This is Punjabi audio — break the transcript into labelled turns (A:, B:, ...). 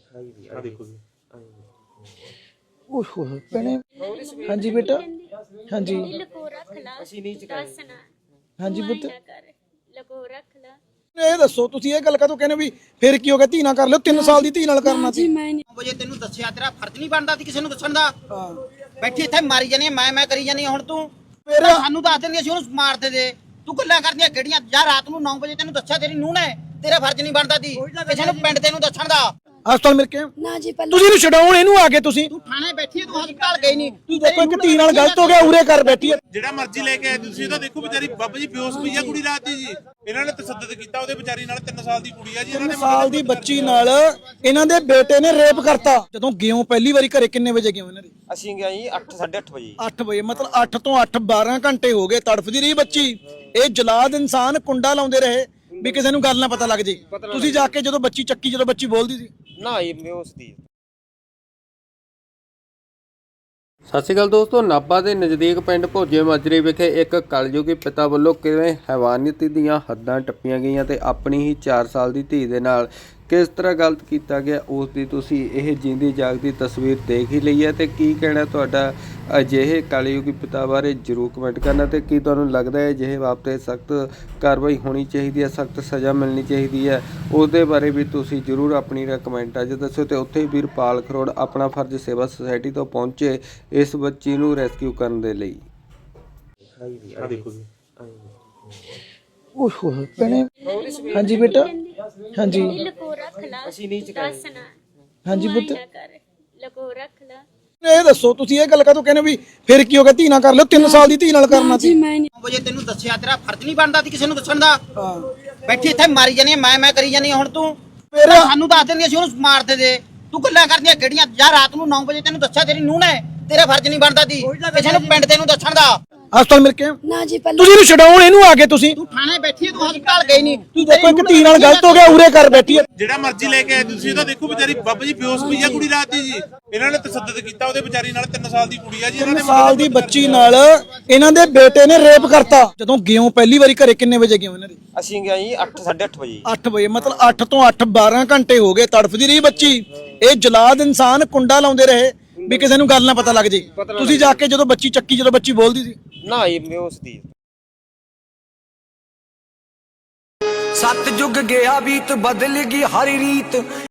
A: ਆ ਦੇਖੋ ਜੀ
B: ਓਹ ਭੈਣੇ ਹਾਂਜੀ ਬੇਟਾ ਹਾਂਜੀ
C: ਲਕੋ ਰੱਖ ਲਾ ਅਸੀਂ ਨਹੀਂ ਚਕਾਸਣਾ
B: ਹਾਂਜੀ ਪੁੱਤ
C: ਲਕੋ ਰੱਖ ਲਾ।
B: ਇਹ ਦੱਸੋ ਤੁਸੀਂ ਇਹ ਗੱਲ ਕਦੋਂ ਕਹਿੰਦੇ ਵੀ ਫਿਰ ਕੀ ਹੋ ਗਿਆ ਧੀ ਨਾਲ ਕਰ ਲਿਓ 3 ਸਾਲ ਦੀ ਧੀ ਨਾਲ ਕਰਨਾ ਸੀ।
D: 9 ਵਜੇ ਤੈਨੂੰ ਦੱਸਿਆ ਤੇਰਾ ਫਰਜ਼ ਨਹੀਂ ਬਣਦਾ ਸੀ ਕਿਸੇ ਨੂੰ ਦੱਸਣ ਦਾ। ਬੈਠੀ ਇੱਥੇ ਮਾਰੀ ਜਾਨੀ ਮੈਂ ਕਰੀ ਜਾਨੀ ਹੁਣ ਤੂੰ
B: ਮੇਰਾ
D: ਸਾਨੂੰ ਦੱਸ ਦਿੰਦੀ ਅਸੀਂ ਉਹਨੂੰ ਮਾਰਦੇ ਦੇ ਤੂੰ ਗੱਲਾਂ ਕਰਦੀਆਂ ਕਿਹੜੀਆਂ ਜਾਂ ਰਾਤ ਨੂੰ 9 ਵਜੇ ਤੈਨੂੰ ਦੱਸਿਆ ਤੇਰੀ ਨੂੰਹ ਨੇ ਤੇਰਾ ਫਰਜ਼ ਨਹੀਂ ਬਣਦਾ ਸੀ ਕਿਸੇ ਨੂੰ ਪਿੰਡ ਤੈਨੂੰ ਦੱਸਣ ਦਾ।
B: ਹਸਪਤਾਲ ਮਿਲ ਕੇ
D: ਨਾ ਜੀ ਪਹਿਲਾਂ
B: ਤੁਸੀਂ ਇਹਨੂੰ ਛਡਾਉਣ ਇਹਨੂੰ ਆ ਕੇ ਤੁਸੀਂ
D: ਥਾਣੇ ਬੈਠੀ ਤੂੰ ਹਸਪਤਾਲ ਗਈ ਨਹੀਂ
B: ਤੁਸੀਂ ਦੇਖੋ ਇੱਕ ਧੀ ਨਾਲ ਗਲਤ ਹੋ ਗਿਆ ਉਰੇ ਕਰ ਬੈਠੀ ਹੈ।
A: ਜਿਹੜਾ ਮਰਜ਼ੀ ਲੈ ਕੇ ਆਏ ਤੁਸੀਂ ਤਾਂ ਦੇਖੋ ਵਿਚਾਰੀ ਬਾਬਾ ਜੀ ਬੇਹੋਸ਼ ਪਈ ਆ ਕੁੜੀ ਰਾਤ ਦੀ ਜੀ। ਇਹਨਾਂ ਨੇ ਤਸੱਦਦ ਕੀਤਾ ਉਹਦੇ ਵਿਚਾਰੀ ਨਾਲ 3 ਸਾਲ ਦੀ ਕੁੜੀ ਆ ਜੀ। ਇਹਨਾਂ
B: 3
A: ਨੇ
B: ਸਾਲ ਦੀ ਬੱਚੀ ਨਾਲ ਇਹਨਾਂ ਦੇ ਬੇਟੇ ਨੇ ਰੇਪ ਕਰਤਾ। ਜਦੋਂ ਗਿਓ ਪਹਿਲੀ ਵਾਰੀ ਘਰੇ ਕਿੰਨੇ ਵਜੇ ਗਿਓ ਇਹਨਾਂ ਦੇ?
E: ਅਸੀਂ ਗਏ ਜੀ 8:30 ਵਜੇ
B: 8 ਵਜੇ ਮਤਲਬ 8 ਤੋਂ 8 12 ਘੰਟੇ ਹੋ ਗਏ ਤੜਫਦੀ ਰਹੀ ਬੱਚੀ। ਇਹ ਜਲਾਦ ਇਨਸਾਨ ਕੁੰਡਾ ਲਾਉਂਦੇ ਰਹੇ ਵੀ ਕਿਸੇ ਨੂੰ ਗੱਲ ਨਾ ਪਤਾ ਲੱਗ ਜੇ। ਤੁਸੀਂ ਜਾ ਕੇ ਜਦੋਂ ਬੱਚੀ ਚੱਕੀ ਜਦੋਂ ਬੱਚੀ ਬੋਲਦੀ ਸੀ
E: ਨਾ ਜੀ ਮੈਂ ਉਸ ਦੀ।
F: ਸਤਿ ਸ਼੍ਰੀ ਅਕਾਲ ਦੋਸਤੋ, ਨਾਭਾ ਦੇ ਨਜ਼ਦੀਕ ਪਿੰਡ ਭੋਜੇ ਮਾਜਰੇ ਵਿਖੇ ਇੱਕ ਕਲਯੁਗੀ ਪਿਤਾ ਵੱਲੋਂ ਕਿਵੇਂ ਹੈਵਾਨੀਅਤ ਦੀਆਂ ਹੱਦਾਂ ਟੱਪੀਆਂ ਗਈਆਂ ਤੇ ਆਪਣੀ ਹੀ 4 ਸਾਲ ਦੀ ਧੀ ਦੇ ਨਾਲ ਕਿਸ ਤਰ੍ਹਾਂ ਗਲਤ ਕੀਤਾ ਗਿਆ ਉਸ ਦੀ ਤੁਸੀਂ ਇਹ ਜਿੰਦੀ ਜਾਗਦੀ ਤਸਵੀਰ ਦੇਖ ਹੀ ਲਈ ਹੈ। ਤੇ ਕੀ ਕਹਿਣਾ ਤੁਹਾਡਾ ਅਜਿਹੇ ਕਲਯੁਗੀ ਪਿਤਾ ਬਾਰੇ ਜ਼ਰੂਰ ਕਮੈਂਟ ਕਰਨਾ। ਤੇ ਕੀ ਤੁਹਾਨੂੰ ਲੱਗਦਾ ਹੈ ਅਜਿਹੇ ਬਾਬਤ ਸਖਤ ਕਾਰਵਾਈ ਹੋਣੀ ਚਾਹੀਦੀ ਹੈ, ਸਖਤ ਸਜ਼ਾ ਮਿਲਣੀ ਚਾਹੀਦੀ ਹੈ, ਉਸ ਦੇ ਬਾਰੇ ਵੀ ਤੁਸੀਂ ਜ਼ਰੂਰ ਆਪਣੀ ਕਮੈਂਟਾਂ 'ਚ ਦੱਸਿਓ। ਤੇ ਉੱਥੇ ਵੀਰਪਾਲ ਖਰੋੜ ਆਪਣਾ ਫਰਜ਼ ਸੇਵਾ ਸੁਸਾਇਟੀ ਤੋਂ ਪਹੁੰਚੇ ਇਸ ਬੱਚੀ ਨੂੰ ਰੈਸਕਿਊ ਕਰਨ ਦੇ ਲਈ।
A: ਆ ਦੇਖੋ ਜੀ
B: ਓਹ ਭੈਣੇ ਹਾਂਜੀ ਬੇਟਾ ਹਾਂਜੀ
C: ਲਕੋ ਰੱਖ ਲਾ ਅਸੀਂ ਨਹੀਂ ਚਕਾਸਣਾ
B: ਹਾਂਜੀ ਪੁੱਤ
C: ਲਕੋ ਰੱਖ ਲਾ।
B: ਇਹ ਦੱਸੋ ਤੁਸੀਂ ਇਹ ਗੱਲ ਕਦੋਂ ਕਹਿੰਦੇ ਵੀ ਫਿਰ ਕੀ ਹੋ ਗਿਆ ਧੀ ਨਾਲ ਕਰ ਲਿਓ 3 ਸਾਲ ਦੀ ਧੀ ਨਾਲ ਕਰਨਾ ਸੀ।
D: 9 ਵਜੇ ਤੈਨੂੰ ਦੱਸਿਆ ਤੇਰਾ ਫਰਜ਼ ਨਹੀਂ ਬਣਦਾ ਸੀ ਕਿਸੇ ਨੂੰ ਦੱਸਣ ਦਾ। ਬੈਠੀ ਇੱਥੇ ਮਾਰੀ ਜਾਨੀ ਮੈਂ ਕਰੀ ਜਾਨੀ ਹੁਣ ਤੂੰ
B: ਮੇਰਾ
D: ਸਾਨੂੰ ਦੱਸ ਦਿੰਦੀ ਅਸੀਂ ਉਹਨੂੰ ਮਾਰਦੇ ਦੇ ਤੂੰ ਗੱਲਾਂ ਕਰਦੀਆਂ ਕਿਹੜੀਆਂ ਜਾਂ ਰਾਤ ਨੂੰ 9 ਵਜੇ ਤੈਨੂੰ ਦੱਸਿਆ ਤੇਰੀ ਨੂੰਹ ਨੇ ਤੇਰਾ ਫਰਜ਼ ਨਹੀਂ ਬਣਦਾ ਸੀ ਕਿਸੇ ਨੂੰ ਪਿੰਡ ਤੈਨੂੰ ਦੱਸਣ ਦਾ।
B: ਹਸਪਤਾਲ ਮਿਲ ਕੇ
D: ਨਾ ਜੀ ਪਹਿਲਾਂ
B: ਤੁਸੀਂ ਇਹਨੂੰ ਛਡਾਉਣ ਇਹਨੂੰ ਆ ਕੇ ਤੁਸੀਂ
D: ਤੂੰ ਥਾਣੇ ਬੈਠੀ ਤੂੰ ਹਸਪਤਾਲ ਗਈ ਨਹੀਂ
B: ਤੁਸੀਂ ਦੇਖੋ ਇੱਕ ਧੀ ਨਾਲ ਗਲਤ ਹੋ ਗਿਆ ਉਰੇ ਕਰ ਬੈਠੀ ਹੈ।
A: ਜਿਹੜਾ ਮਰਜ਼ੀ ਲੈ ਕੇ ਆਏ ਤੁਸੀਂ ਤਾਂ ਦੇਖੋ ਵਿਚਾਰੀ ਬਾਬਾ ਜੀ ਬੇਹੋਸ਼ ਪਈ ਆ ਕੁੜੀ ਰਾਤ ਦੀ ਜੀ। ਇਹਨਾਂ ਨੇ ਤਸੱਦਦ ਕੀਤਾ ਉਹਦੇ ਵਿਚਾਰੀ ਨਾਲ 3 ਸਾਲ ਦੀ ਕੁੜੀ ਆ ਜੀ। ਇਹਨਾਂ
B: 3
A: ਨੇ
B: ਸਾਲ ਦੀ ਬੱਚੀ ਨਾਲ ਇਹਨਾਂ ਦੇ ਬੇਟੇ ਨੇ ਰੇਪ ਕਰਤਾ। ਜਦੋਂ ਗਿਓ ਪਹਿਲੀ ਵਾਰੀ ਘਰੇ ਕਿੰਨੇ ਵਜੇ ਗਿਓ ਇਹਨਾਂ ਦੇ?
E: ਅਸੀਂ ਗਏ ਜੀ 8:30 ਵਜੇ
B: 8 ਵਜੇ ਮਤਲਬ 8 ਤੋਂ 8 12 ਘੰਟੇ ਹੋ ਗਏ ਤੜਫਦੀ ਰਹੀ ਬੱਚੀ। ਇਹ ਜਲਾਦ ਇਨਸਾਨ ਕੁੰਡਾ ਲਾਉਂਦੇ ਰਹੇ ਵੀ ਕਿਸੇ ਨੂੰ ਗੱਲ ਨਾ ਪਤਾ ਲੱਗ ਜੇ। ਤੁਸੀਂ ਜਾ ਕੇ ਜਦੋਂ ਬੱਚੀ ਚੱਕੀ ਜਦੋਂ ਬੱਚੀ ਬੋਲਦੀ ਸੀ
E: ਨਾ ਜੀ ਮੈਂ ਉਸ ਦੀ।
G: ਸਤਜੁਗ ਗਿਆ ਬੀਤ ਬਦਲ ਗਈ ਹਰ ਰੀਤ।